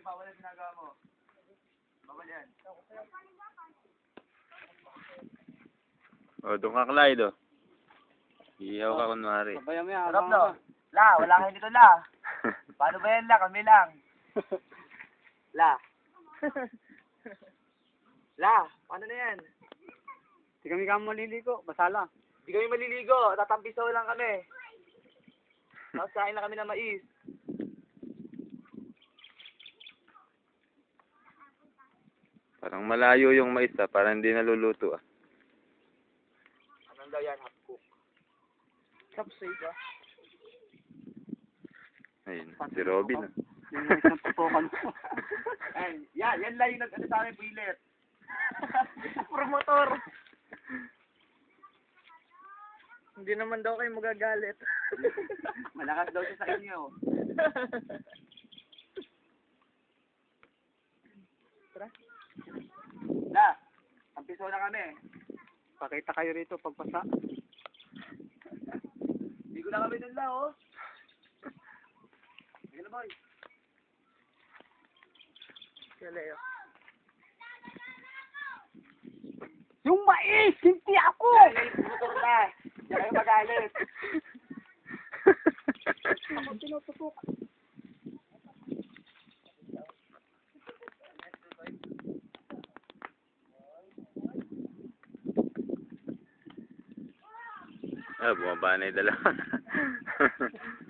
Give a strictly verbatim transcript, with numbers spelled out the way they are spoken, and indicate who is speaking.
Speaker 1: bawal ang ginagawa mo. Bawal yan.
Speaker 2: O, doon ka, Clyde, o. Ihaw ka kunwari.
Speaker 3: Sabayan mo yan.
Speaker 1: Sarap, no? La, wala kayo nito, La. Paano ba yan, La? Kami lang. La. La, paano na yan?
Speaker 3: Hindi kami kami maliligo. Basa lang.
Speaker 1: Hindi kami maliligo. Tatampisaw lang kami. Tapos kain lang kami ng mais.
Speaker 2: Parang malayo yung mais, ah. Parang hindi naluluto, ah.
Speaker 1: Anong daw yan? Half cook. Kapsay ka.
Speaker 2: Ayun, si Robin, ah.
Speaker 3: Yung mais na tutukan mo.
Speaker 1: Ay, yan, yan lang yung nag-ano sa amin, Billet. Promotor. Hindi naman daw kayo magagalit. Malakas daw siya sa inyo. Tara. La, ampiso na kami.
Speaker 3: Pakita kayo rito pagpasa.
Speaker 1: Hindi ko na kami dun la, oh. Sige na, boy. Sige, Leo.
Speaker 3: Yung mais! Hindi ako!
Speaker 1: Yan, yan, promotor na. Yan kayo magalit.
Speaker 3: Ako tinututukan.
Speaker 2: Ah, bumaba na yung dalawa.